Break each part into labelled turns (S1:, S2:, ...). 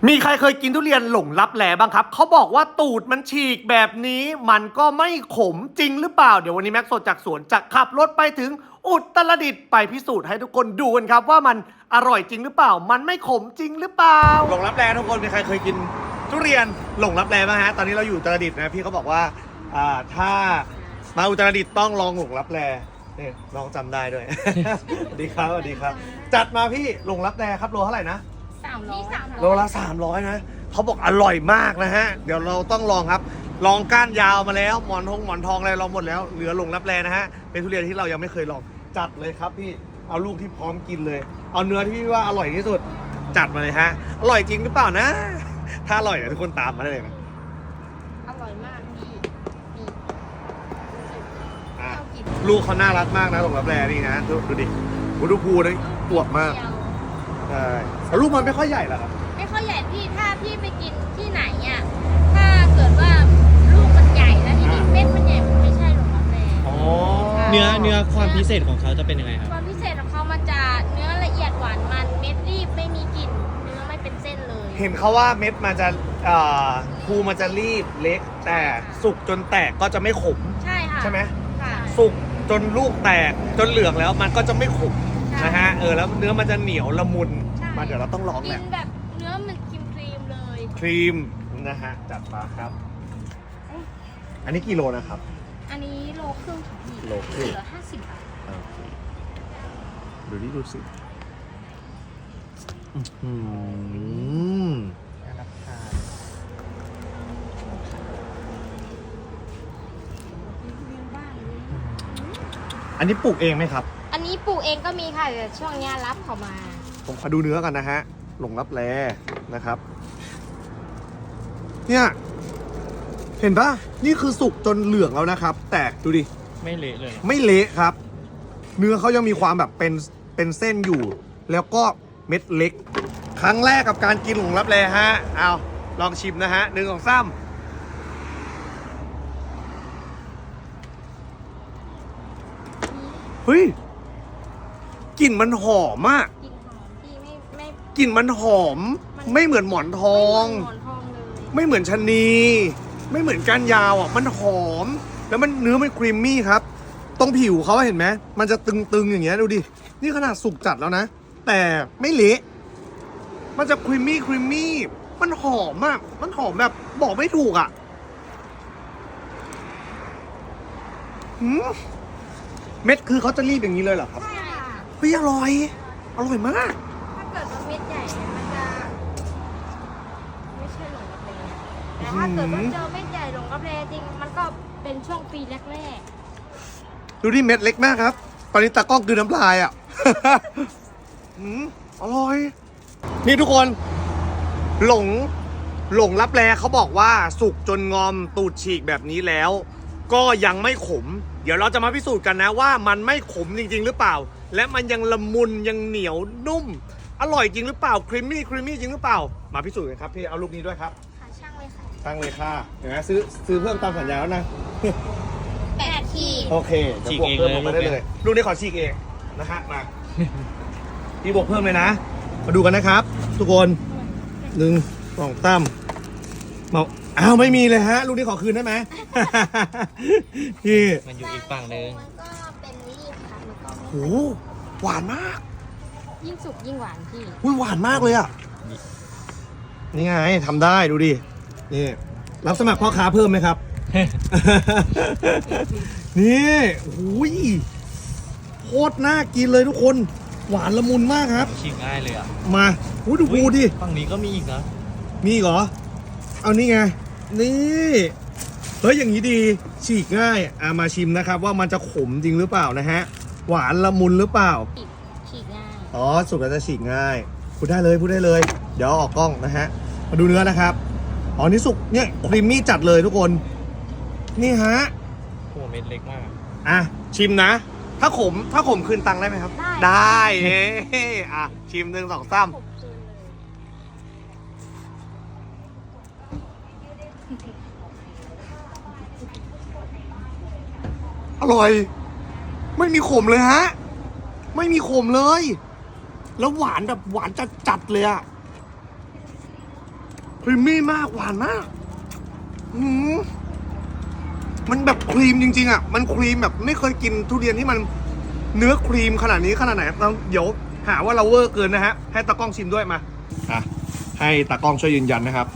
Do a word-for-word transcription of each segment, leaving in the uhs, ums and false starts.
S1: มีใครเคยกินทุเรียนหลงลับแลบ้างครับเขาบอกว่าตูดมันฉีกแบบนี้มันก็ไม่ขมจริงหรือเปล่าเดี๋ยววันนี้แม็กซ์สดจากสวนจะขับรถไปถึงอุตรดิตถ์ไปพิสูจน์ให้ทุกคนดูกันครับว่ามันอร่อยจริงหรือเปล่ามันไม่ขมจริงหรือเปล่าหลงลับแลทุกคนมีใครเคยกินทุเรียนหลงลับแลบ้างฮะตอนนี้เราอยู่อุตรดิตถ์นะพี่เขาบอกว่าอ่าถ้ามาอุตรดิตถ์ต้องลองหลงลับแลนี่ลองจำได้ด้วย สวัสดีครับสวัสดีครับจัดมาพี่หลงลับแลครับโลเท่าไหร่นะ
S2: สามร้อย
S1: โลละสามร้อยนะเขาบอกอร่อยมากนะฮะเดี๋ยวเราต้องลองครับลองก้านยาวมาแล้วหมอนทองหมอนทองอะไรลองหมดแล้วเหลือหลงลับแลนะฮะเป็นทุเรียนที่เรายังไม่เคยลองจัดเลยครับพี่เอาลูกที่พร้อมกินเลยเอาเนื้อที่พี่ว่าอร่อยที่สุดจัดมาเลยฮะอร่อยจริงหรือเปล่านะถ้าอร่อยเดี๋ยวทุกคนตามมาได้เลยนะ
S2: อร่อยมากพี่นี่
S1: อ่ะลูกเขาน่ารักมากนะหลงลับแลนี่นะดูดูดิดูภูนี่อวบมากใช่แต่ลูกมันไม่ค่อยใหญ่หรอกครับ
S2: ไม่ค่อยใหญ่พี่ถ้าพี่ไปกินที่ไหนอ่ะถ้าเกิดว่าลูกมันใหญ่แล้วทีนี้เม็ดมันใหญ่มันไม่ใช่หรอกครับแม่
S1: อ๋อ
S3: เนื้อเนื้อความพิเศษของเขาจะเป็นยังไงครับ
S2: ความพิเศษของเขามันจะเนื้อละเอียดหวานมันเม็ดรีบไม่มีกลิ่นเนื้อไม่เป็นเส้นเลย
S1: เห็นเขาว่าเม็ดมันจะเอ่อภูมันจะรีบเล็กแต่สุกจนแตกก็จะไม่ขม
S2: ใช่ค่ะ
S1: ใช่ไหม
S2: ค่ะ
S1: สุกจนลูกแตกจนเหลืองแล้วมันก็จะไม่ขม
S2: ใช่
S1: นะฮะเออแล้วเนื้อมันจะเหนียวละมุน
S2: ใช่
S1: มาเดี๋ยวเราต้องลอง
S2: กิ
S1: แหละ
S2: นแบบเนื้อมันครีมครีมๆเลย
S1: ครีมนะฮะจัดมาครับ อันนี้กิโลนะครับ
S2: อันนี้โลครึ่งค่ะพี่
S1: โลครึ่ง
S2: เหลือห้าสิบบาท
S1: ดูนี่ดูสิอืม อันนี้ปลูกเองไหมครับ
S2: อันนี้ปลูกเองก็มีค่ะแต่ช่วงเนี้ยรับเขามา
S1: ผมขอดูเนื้อกันนะฮะหลงลับแลนะครับ เนี่ย เห็นปะนี่คือสุกจนเหลืองแล้วนะครับ แต่ดูดิ
S3: ไม่เละเลย
S1: ไม่เละครับ เนื้อเขายังมีความแบบเป็นเป็นเส้นอยู่ แล้วก็เม็ดเล็ก ครั้งแรกกับการกินหลงลับแลฮะเอาลองชิมนะฮะหนึ่งสองสามเฮ้ยกลิ่นมันหอมมาก
S2: กลิ่นหอมพี่ไม่ไม่
S1: กลิ่นมันหอม ไม่เหมือนหมอนทอง
S2: ไม่เหมือนหมอนทองเลย
S1: ไม่เหมือนชะนี ไม่เหมือนก้านยาวอ่ะมันหอม แล้วมันเนื้อมันครีมมี่ครับตรงผิวเขาเห็นไหมมันจะตึงๆอย่างเงี้ยดูดินี่ขนาดสุกจัดแล้วนะแต่ไม่เละมันจะครีมมี่ครีมมี่มันหอมมากมันหอมแบบบอกไม่ถูกอ่ะหืมเม็ดคือเขาจะรีบอย่างนี้เลยเหรอครับ
S2: ใช่ค่ะ
S1: เฮ้ยอร่อยอร่อยมาก
S2: ถ้าเกิดว่าเม็ดใหญ่เนี่ยมันจะไม่ใช่หลงกาแฟแต่ถ้าเกิดว่าเจอเม็ดใหญ่หลงกาแฟจริงมันก็เป็นช่วงปีแรก
S1: ดูดิเม็ดเล็กมากครับ ตอนนี้ตากล้องคือน้ำลายอ่ะ อืมอร่อย นี่ทุกคน หลง หลงลับแลเขาบอกว่าสุกจนงอมตูดฉีกแบบนี้แล้ว ก็ยังไม่ขม เดี๋ยวเราจะมาพิสูจน์กันนะว่ามันไม่ขมจริงๆหรือเปล่า และมันยังละมุนยังเหนียวนุ่ม อร่อยจริงหรือเปล่าครีมมี่ครีมมี่จริงหรือเปล่า มาพิสูจน์กันครับพี่เอาลูกนี้ด้วยครับ
S2: ๆค่ะช่างเลยค่ะ
S1: ตั้งเลยค่ะเห็นไหมซื้อซื้อเพิ่มตามสัญญาแล้วนะ
S2: แปดขีด
S1: โอเคจะบวกเพิ่มลงมาได้เลยลูกนี้ขอฉีกเองนะฮะมา พี่บวกเพิ่มเลยนะ มาดูกันนะครับ ทุกคนหนึ่งสองตั้มมาอ้าวไม่มีเลยฮะ ลูกนี้ขอคืนได้ไหม พี่
S3: มันอยู่อีกฝั่งนึง
S2: มันก็เป็นรีบค่ะมันก็
S1: โหหวานมาก
S2: ยิ่งสุกยิ่งหวานพี่
S1: อุ้ยหวานมากเลยอ่ะ นี่ไงทำได้ดูดิ นี่ รับสมัครพ่อค้าเพิ่มไหมครับ นี่โอ้ยโคตรน่ากินเลยทุกคน หวานละมุนมากครับ
S3: ฉีกง่ายเลยอ่ะ
S1: มาอู้ดูภูดิ
S3: ฝั่งนี้ก็มีอีกนะ
S1: มีอีกเหรอ เอานี่ไง นี่ เฮ้ยอย่างนี้ดี ฉีกง่ายอ่ะมาชิมนะครับว่ามันจะขมจริงหรือเปล่านะฮะ หวานละมุนหรือเปล่า
S2: ฉีกง่าย
S1: อ๋อ สุกแล้วจะฉีกง่าย พูดได้เลยพูดได้เลย เดี๋ยวออกกล้องนะฮะ มาดูเนื้อนะครับ อ๋อ นี่สุกเนี่ยครีมมี่จัดเลยทุกคน นี่ฮะ
S3: โอ้เม็ดเล็กมาก
S1: อ่ะ ชิมนะ ถ้าขม ถ้าขมคืนตังค์ได้ไหมครับ
S2: ได้
S1: ได้เฮ้อ่ะ ชิมหนึ่งสองสาม
S2: ผมคืนเลย
S1: อร่อย ไม่มีขมเลยฮะ ไม่มีขมเลย แล้วหวานแบบหวานจัดจัดๆเลยอะรีมมี่มากหวานมากหืมมันแบบครีมจริงๆอ่ะมันครีมแบบไม่เคยกินทุเรียนที่มันเนื้อครีมขนาดนี้ขนาดไหนเราเดี๋ยวหาว่าเราเวอร์เกินนะฮะให้ตากล้องชิมด้วยมาอ่ะให้ตากล้องช่วยยืนยันนะครับ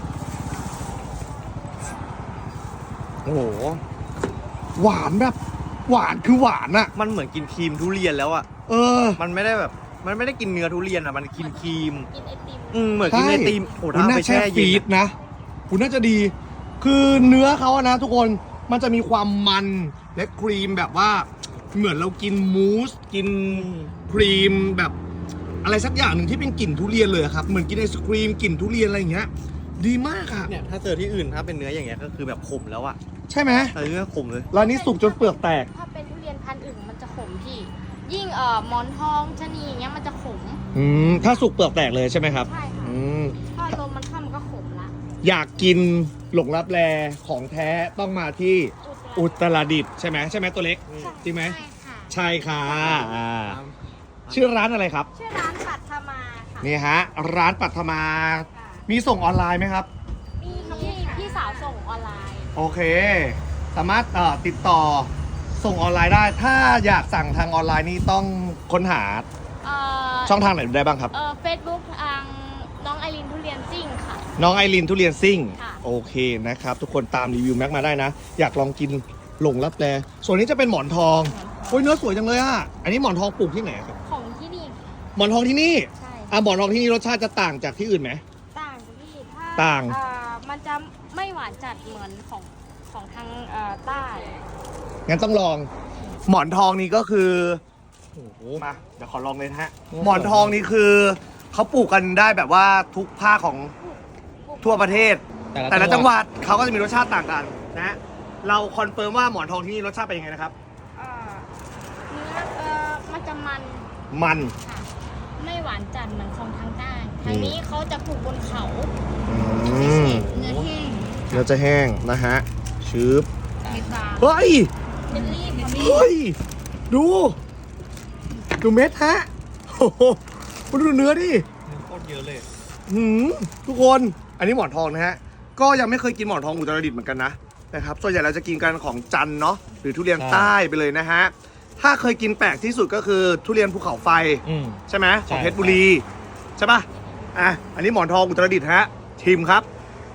S1: โอ้โหหวานแบบหวานคือหวานอะ
S3: มันเหมือนกินครีมทุเรียนแล้วอ่ะ
S1: เออ
S3: มันไม่ได้แบบ มันไม่ได้กินเนื้อทุเรียนอ่ะ มันกินครีม
S2: กินไอติม
S3: อืมเหมือนกินไอติมโอ้
S1: คุณ
S3: ถ้า
S1: น่า
S3: ไป
S1: แช่
S3: แช่
S1: ฟี
S3: เย็น
S1: ดนะคุณน่าจะดี คือเนื้อเขาอะนะทุกคนมันจะมีความมันและครีมแบบว่า เหมือนเรากินมูสกินครีมแบบอะไรสักอย่างหนึ่งที่เป็นกลิ่นทุเรียนเลยอะครับเหมือนกินไอศครีมกลิ่นทุเรียนอะไรอย่างเงี้ย ดีมากอะ
S3: เนี่ยถ้าเจอที่อื่นถ้าเป็นเนื้ออย่างเงี้ยก็คือแบบขมแล้วอ่ะ
S1: ใช่ไหม
S3: เออขมเลย
S1: ร้านนี้สุกจนเปลือกแตก
S2: ถ้าเป็นทุเรียนพันธุ์อื่นมันจะขมพี่ ยิ่งเอ่อหมอนทองชะนีอย่างเงี้ยมันจะขม
S1: อืมถ้าสุกเปลือกแตกเลยใช่ไหมครับ
S2: ใช่ค่ะ
S1: อืม
S2: ถ้าลมมันเข้ามันก็ขมละ
S1: อยากกินหลงรับแลของแท้ต้องมาที่อุตรดิตถ์ใช่ไหมใช่ไหมตัวเล็ก จริงไหม
S2: ใช่ค่ะ
S1: ใช่ค่ะอ่าชื่อร้านอะไรครับ
S2: ชื่อร้านปัทมาค่ะ
S1: นี่ฮะ ร้านปัทมา
S2: ค่ะ
S1: มีส่งออนไลน์ไหมครับ
S2: มีพี่พี่สาวส่งออนไลน์
S1: โอเค สามารถเอ่อติดต่อส่งออนไลน์ได้ ถ้าอยากสั่งทางออนไลน์นี่ต้องค้นหา
S2: เอ่อ
S1: ช่องทางไหนได้บ้างครับ
S2: เอ่อเฟซบุ๊กทางน้องไอรินทุเรียนซิ่งค่ะ
S1: น้องไอรินทุเรียนซิ่ง
S2: ค่ะ
S1: โอเคนะครับ ทุกคนตามรีวิวแม็กมาได้นะ อยากลองกินหลงรับแลส่วนนี้จะเป็นหมอนทองโอ้ยเนื้อสวยจังเลยอ่ะ อันนี้หมอนทองปลูกที่ไหนครับ
S2: ของที่นี่
S1: หมอนทองที่นี่
S2: ใช่
S1: อ่ะหมอนทองที่นี่รสชาติจะต่างจากที่อื่นไหม
S2: ต่างจากพี่ถ้า
S1: ต่าง
S2: เอ่อมันจะไม่หวานจัดเหมือนของของทางเอ่อใต้
S1: งั้นต้องลอง หมอนทองนี่ก็คือโอ้โหมาเดี๋ยวขอลองเลยนะฮะ หมอนทองนี่คือเขาปลูกกันได้แบบว่าทุกภาคของทั่วประเทศ แต่ละจังหวัดเขาก็จะมีรสชาติต่างกันนะฮะเราคอนเฟิร์มว่าหมอนทองที่นี่รสชาติเป็นยังไงนะครับ
S2: เอ่อเนื้อเอ่อมันจะมัน
S1: มัน
S2: ค่ะ ไม่หวานจัดเหมือนของทางใต้ ทางนี้เขาจะปลูกบนเขา
S1: อืม
S2: เนื้อแห้ง
S1: เนื้อจะแห้งนะฮะชืบ
S2: เม็ดบาง
S1: เฮ้ย
S2: เป็นรีบค่ะพี่
S1: เฮ้ย ดู ดูเม็ดฮะโอ้โหมาดูเนื้อดิ
S3: โคตรเยอะเลย
S1: หืมทุกคน อันนี้หมอนทองนะฮะ ก็ยังไม่เคยกินหมอนทองอุตรดิตถ์เหมือนกันนะนะครับ ส่วนใหญ่เราจะกินกันของจันทร์เนาะ หรือทุเรียน
S3: ใช่
S1: ใต้ไปเลยนะฮะ ถ้าเคยกินแปลกที่สุดก็คือทุเรียนภูเขาไฟ
S3: อืม
S1: ใช่ไหมของ
S3: ใช่
S1: เพชรบุรี ใช่ปะอ่ะ อันนี้หมอนทองอุตรดิตถ์ฮะ ชิมครับ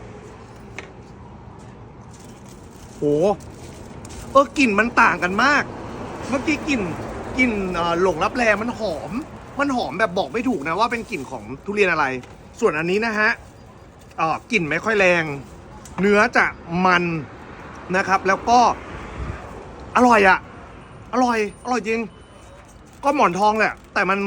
S1: โหเออกลิ่นมันต่างกันมาก เมื่อกี้กลิ่นกลิ่นเอ่อหลงรับแลมันหอม มันหอมแบบบอกไม่ถูกนะว่าเป็นกลิ่นของทุเรียนอะไร ส่วนอันนี้นะฮะเอ่อกลิ่นไม่ค่อยแรง เนื้อจะมันนะครับ แล้วก็อร่อยอะอร่อย อร่อยจริง ก็หมอนทองแหละ แต่มัน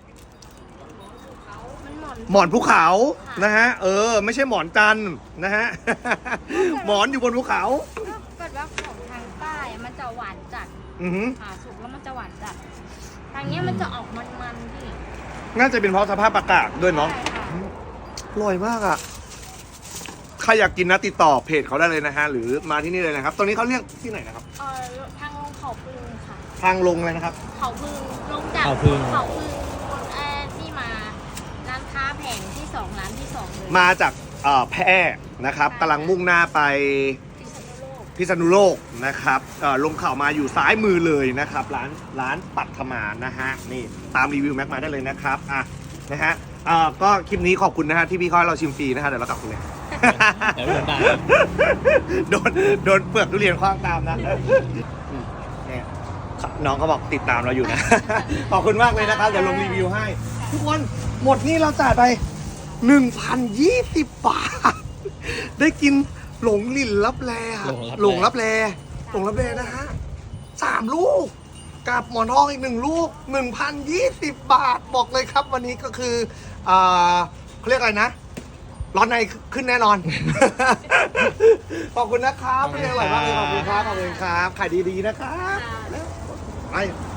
S2: มันหมอน
S1: หมอนภูเขานะฮะ เออ ไม่ใช่หมอนจันทร์นะฮะ หมอนอยู่บนภูเขา
S2: ถ้าเกิดว่าของทางใต้มันจะหวานจัด
S1: อือหือ
S2: ผ่าสุกแล้วมันจะหวานจัด ทางเนี้ยมันจะออกมันๆพี่
S1: น่าจะเป็นเพราะสภาพอากาศด้วยเนาะ
S2: ใช่ค่ะ
S1: อร่อยมากอะใครอยากกินนะติดต่อเพจเขาได้เลยนะฮะ หรือมาที่นี่เลยนะครับ ตรงนี้เขาเรียกที่ไหนนะครับ
S2: เอ่อทางลงเขาพึงค่ะ
S1: ทางลงเลยนะครับ
S2: เขาพึงลงจาก
S3: เขาพึง
S2: เขาพึงเอ่อที่มาร้านค้าแผงที่สองร้านที่สองเลย
S1: มาจากเอ่อแพร่นะครับกำลังมุ่งหน้าไป
S2: พิษณุโลก
S1: พิษณุโลกนะครับเอ่อลงเข่าวมาอยู่ซ้ายมือเลยนะครับ ร้านร้านปัทมานะฮะนี่ตามรีวิวแม็กมาได้เลยนะครับอ่ะนะฮะเอ่อก็คลิปนี้ขอบคุณนะฮะที่พี่เขาให้เราชิมฟรีนะฮะเดี๋ยวเรากลับคุณเลย
S3: เดี๋ยวโดนด่า
S1: โดนโดนเปลือกทุเรียนคว้างตามนะอืมเนี่ยน้องเขาบอกติดตามเราอยู่นะ ขอบคุณมากเลยนะครับ เดี๋ยวลงรีวิวให้ ทุกคนหมดนี่เราจ่ายไป หนึ่งพันยี่สิบ บาท ได้กินหลงลิ่นรับแลอะหลงรับแลหลงรับแลนะฮะสามลูก กับหมอนทองอีกหนึ่งลูก หนึ่งพันยี่สิบ บาท บอกเลยครับวันนี้ก็คืออ่าเขาเรียกอะไรนะ ร้อนในขึ้นแน่นอน ขอบคุณนะครับพี่อร่อยมากเลยขอบคุณครับ ขอบคุณครับ ขายดีๆนะครับ
S2: ค่ะ
S1: ไป